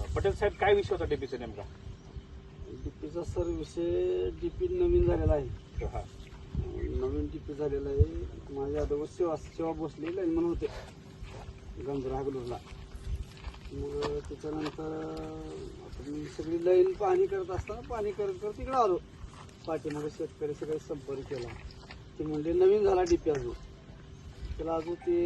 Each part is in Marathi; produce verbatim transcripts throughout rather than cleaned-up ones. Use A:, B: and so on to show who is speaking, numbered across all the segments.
A: पटेल साहेब काय विषय होता डीपीचा नेमका?
B: डीपीचा सर विषय डीपी नवीन झालेला आहे.
A: हा.
B: नवीन डीपी झालेला आहे. माझ्या अगोदर सेवा सेवा बसली लाईनमन होते गंजरा हागलूरला. मग त्याच्यानंतर आता मी सगळी लाईन पाणी करत असताना पाणी करत करत तिकडे आलो. पाठीमागे शेतकरी सगळे संपर्क केला. ते म्हणजे नवीन झाला डीपी अजून त्याला अजून ते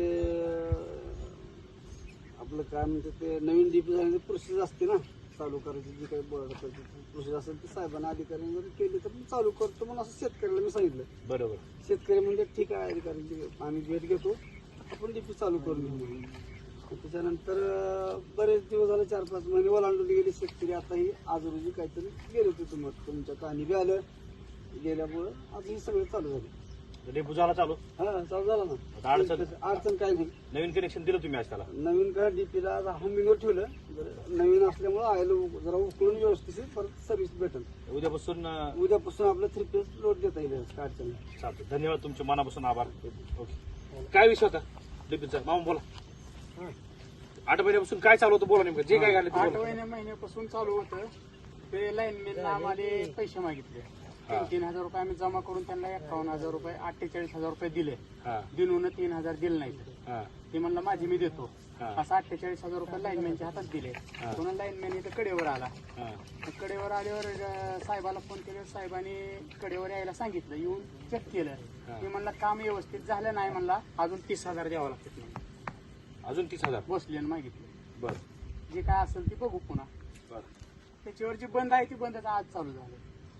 B: आपलं काय म्हणते ते नवीन डीपी झाल्याने प्रोसेस असते ना चालू करायची, जी काही बोर्ड प्रोसेस असेल ती साहेबांना अधिकाऱ्यांनी जर केली तर मी चालू करतो म्हणून असं शेतकऱ्याला मी सांगितलं. बरोबर. शेतकरी म्हणजे ठीक आहे अधिकाऱ्यांची आम्ही भेट घेतो, आपण डीपी चालू करून घेऊ म्हणून. त्याच्यानंतर बरेच दिवस झाले, चार पाच महिने ओलांडून गेले शेतकरी. आता ही आज रोजी काहीतरी गेले होते तुम्हाला तुमच्या कहाणी बी आलं गेल्यामुळं आज ही सगळं चालू झालं.
A: डेपो झाला चालू?
B: हा चालू झाला ना.
A: अडचण
B: अडचण काय नाही.
A: नवीन कनेक्शन दिलं तुम्ही आज त्याला?
B: नवीन का डीपीला हमिंगवर ठेवलं. नवीन असल्यामुळे आयला जरा उकळून व्यवस्थित परत सर्व्हिस भेटेल.
A: उद्यापासून
B: उद्यापासून आपलं थ्री पेज लोड देता येईल. काय अडचण नाही.
A: चालतं. धन्यवाद, तुमचे मनापासून आभार. ओके. काय विषय होता डीपीचा? मामा बोला. आठ महिन्यापासून काय चालू होतं बोला नेमकं, जे काय झालं?
C: आठ महिन्या महिन्यापासून चालू होतं. ते लाईनमॅनला आम्हाला पैसे मागितले. तीन तीन हजार रुपये आम्ही जमा करून त्यांना एकावन्न हजार रुपये अठ्ठेचाळीस हजार रुपये दिले. दिनून तीन हजार दिले नाही. ते म्हणलं माझी मी देतो. असं अठ्ठेचाळीस हजार रुपये लाईनमॅनच्या हातात दिले. पुन्हा लाईनमॅन इथं कडेवर आला. कडेवर आल्यावर साहेबाला फोन केला. साहेबांनी कडेवर यायला सांगितलं. येऊन चेक केलं. मी म्हणलं काम व्यवस्थित झालं नाही. म्हणला अजून तीस हजार द्यावं लागतात.
A: अजून तीस हजार
C: बसले आणि मागितले.
A: बरं.
C: जे काय असेल ते बघू पुन्हा. त्याच्यावर जी बंद आहे ती बंद आज चालू झालं.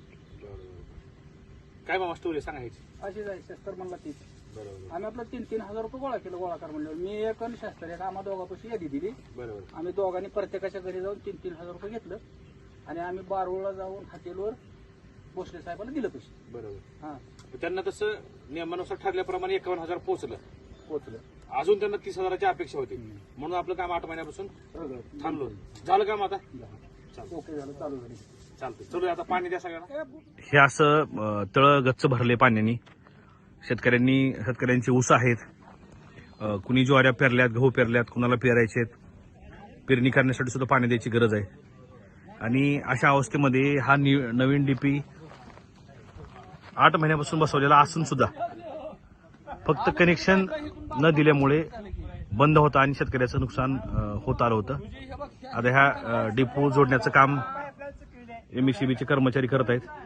A: काय बाबा स्टोरी सांगायची?
C: अशी जाय शस्त्र म्हणला तीच.
A: बरोबर.
C: आम्ही आपलं तीन तीन हजार रुपये गोळा केलं. गोळा कर म्हणल्यावर मी एक आणि शस्त्र एक आम्हा दोघांपाशी यादी दिली.
A: बरोबर.
C: आम्ही दोघांनी प्रत्येकाच्या घरी जाऊन तीन तीन हजार रुपये घेतलं आणि आम्ही बारूळला जाऊन हॉटेलवर भोसले साहेबांना दिलं पैसे.
A: बरोबर.
C: हा
A: त्यांना तसं नियमानुसार ठरल्याप्रमाणे एकावन्न हजार पोहोचलं
C: पोचलं.
A: अजून त्यांना तीस हजाराची अपेक्षा होती. म्हणून आपलं काम आठ महिन्यापासून थांबलो. झालं काम आता?
C: ओके झालं, चालू झाली.
A: चालतं. चलो आता पाणी द्या सगळ्यांना.
D: हे असं तळ गच्च भरले पाण्याने. शेतकऱ्यांनी शेतकऱ्यांचे ऊस आहेत, कुणी ज्वाऱ्या पेरल्यात, गहू पेरल्यात, कुणाला पेरायचे आहेत. पेरणी करण्यासाठी सुद्धा पाणी द्यायची गरज आहे. आणि अशा अवस्थेमध्ये हा नवीन डीपी आठ महिन्यापासून बसवलेला असून सुद्धा फक्त कनेक्शन न दिल्यामुळे बंद होता आणि शेतकऱ्याचं नुकसान होत आलं होतं. आता ह्या डिपो जोडण्याचं काम एमएससीबीचे कर्मचारी करत आहेत.